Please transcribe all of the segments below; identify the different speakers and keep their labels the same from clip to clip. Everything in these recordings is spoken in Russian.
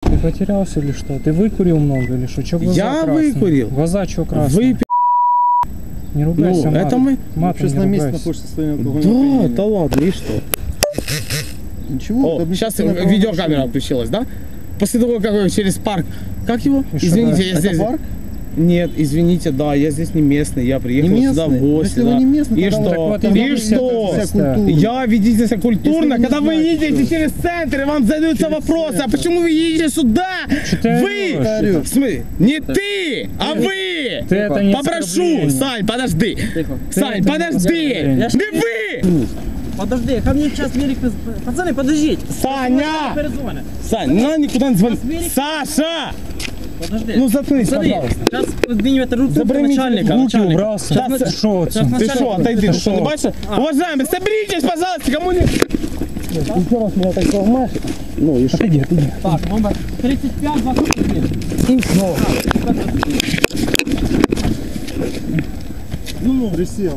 Speaker 1: Ты потерялся или что? Ты выкурил много или что? Чё глаза
Speaker 2: Я
Speaker 1: красные?
Speaker 2: выкурил.
Speaker 1: Глаза чё красные?
Speaker 2: Вы
Speaker 1: Не ругайся,
Speaker 2: Ну, это мы...
Speaker 1: матом
Speaker 3: Сейчас
Speaker 1: не
Speaker 3: на месте
Speaker 1: ругайся.
Speaker 3: находишься состояние алкогольного
Speaker 2: Да, да ладно, и что?
Speaker 3: Ничего.
Speaker 2: О, сейчас видеокамера включилась, да? После того, как вы через парк... Как его?
Speaker 1: И что,
Speaker 2: Извините,
Speaker 1: да?
Speaker 2: я
Speaker 3: Это
Speaker 2: здесь...
Speaker 3: парк?
Speaker 2: Нет, извините, да, я здесь не местный, я приехал
Speaker 3: Не
Speaker 2: сюда в
Speaker 3: местный?
Speaker 2: гости.
Speaker 3: Если вы
Speaker 2: Да.
Speaker 3: не местный,
Speaker 2: И
Speaker 3: тогда
Speaker 2: что?
Speaker 1: Так вот,
Speaker 3: тогда
Speaker 2: И
Speaker 3: вы
Speaker 2: что?
Speaker 3: вся культура.
Speaker 2: Я ведите себя культурно,
Speaker 3: Если вы не
Speaker 2: когда вы
Speaker 3: знаете,
Speaker 2: едете
Speaker 3: что-
Speaker 2: через центр, и вам задаются
Speaker 3: Через
Speaker 2: вопросы, а
Speaker 3: центр.
Speaker 2: почему вы едете сюда?
Speaker 1: ты
Speaker 2: Вы!
Speaker 1: орёшь?
Speaker 2: В смысле? Не ты, а вы!
Speaker 1: Ты это не
Speaker 2: Попрошу,
Speaker 1: оскорбление.
Speaker 2: Сань, подожди. Сань,
Speaker 1: это
Speaker 2: подожди!
Speaker 1: не
Speaker 2: Не вы!
Speaker 4: Подожди, ко мне сейчас велик... Пацаны, подождите.
Speaker 2: Саня!
Speaker 4: Перезвонят.
Speaker 2: Сань, ну никуда не звони. Саша!
Speaker 4: Подожди.
Speaker 2: Ну заткнись,
Speaker 4: Смотри,
Speaker 2: пожалуйста.
Speaker 4: сейчас поднимет руку
Speaker 2: Заброните
Speaker 4: начальника.
Speaker 1: Руки
Speaker 4: начальника.
Speaker 1: убрал,
Speaker 2: Сейчас
Speaker 1: ты шо
Speaker 4: сейчас
Speaker 1: отсюда?
Speaker 2: Ты что, отойди, ты что, не
Speaker 1: шо?
Speaker 2: бачишь? Уважаемые, соберитесь, пожалуйста, кому не... Еще раз меня так сломаешь. Ну и что?
Speaker 1: Отойди.
Speaker 4: Так, номер 35, 21.
Speaker 2: И все.
Speaker 3: Ну, присел.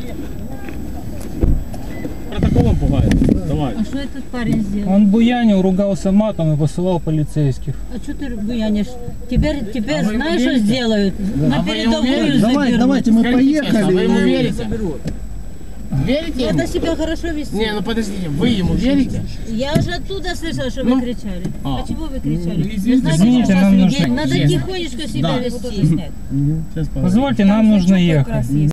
Speaker 4: Протоколом пугает. Давай.
Speaker 5: А что этот парень сделал?
Speaker 1: Он буянил, ругался матом и посылал полицейских.
Speaker 5: А что ты буянишь? Теперь знаешь, что сделают? На передовую
Speaker 3: Давай,
Speaker 5: заберут.
Speaker 3: давайте мы
Speaker 2: А
Speaker 3: поехали.
Speaker 2: вы ему
Speaker 3: и-
Speaker 2: верите? Верите ему?
Speaker 5: Надо себя хорошо вести.
Speaker 2: Не, ну подождите, вы ему верите?
Speaker 5: Я уже оттуда слышала, что вы кричали. А чего вы кричали? Вы
Speaker 2: извините,
Speaker 5: знаете,
Speaker 1: извините,
Speaker 5: что сейчас
Speaker 1: нам
Speaker 5: людей
Speaker 1: нужно
Speaker 5: надо
Speaker 2: ехать.
Speaker 5: тихонечко себя вести.
Speaker 1: Позвольте, нам нужно ехать.